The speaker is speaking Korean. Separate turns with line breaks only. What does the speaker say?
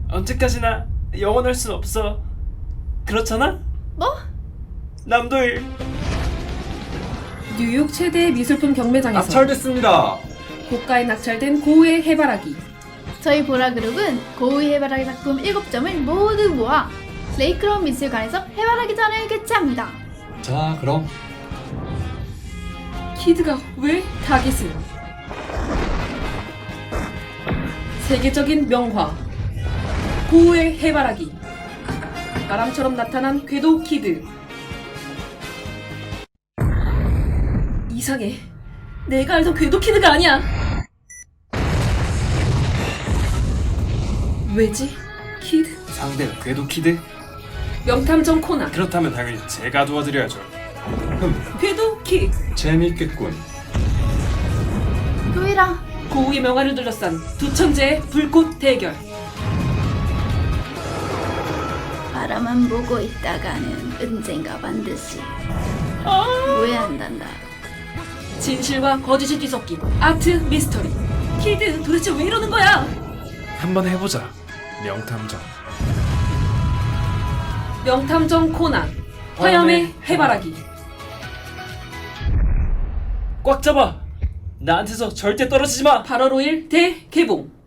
언제까지나 영원할 순 없어. 그렇잖아?
뭐?
남도일
뉴욕 최대의 미술품 경매장에서
낙찰됐습니다.
고가에 낙찰된 고우의 해바라기.
저희 보라그룹은 고우의 해바라기 작품 7점을 모두 모아 레이크로운 미술관에서 해바라기 전을 개최합니다.
자, 그럼
키드가 왜 타깃을? 세계적인 명화 고우의 해바라기. 바람처럼 나타난 궤도 키드. 이상해. 내가 알던 궤도 키드가 아니야. 왜지? 키드?
상대가 궤도 키드?
명탐정 코난.
그렇다면 당연히 제가 도와드려야죠.
궤도 키드.
재밌겠군.
도일아,
고우의 명화를 둘러싼 두 천재의 불꽃 대결.
바라만 보고 있다가는 언젠가 반드시 후회한단다.
진실과 거짓이 뒤섞인 아트 미스터리. 키드 도대체 왜 이러는 거야?
한번 해보자. 명탐정.
명탐정 코난 화염의 해바라기.
꽉 잡아. 나한테서 절대 떨어지지 마.
8월 5일 대개봉.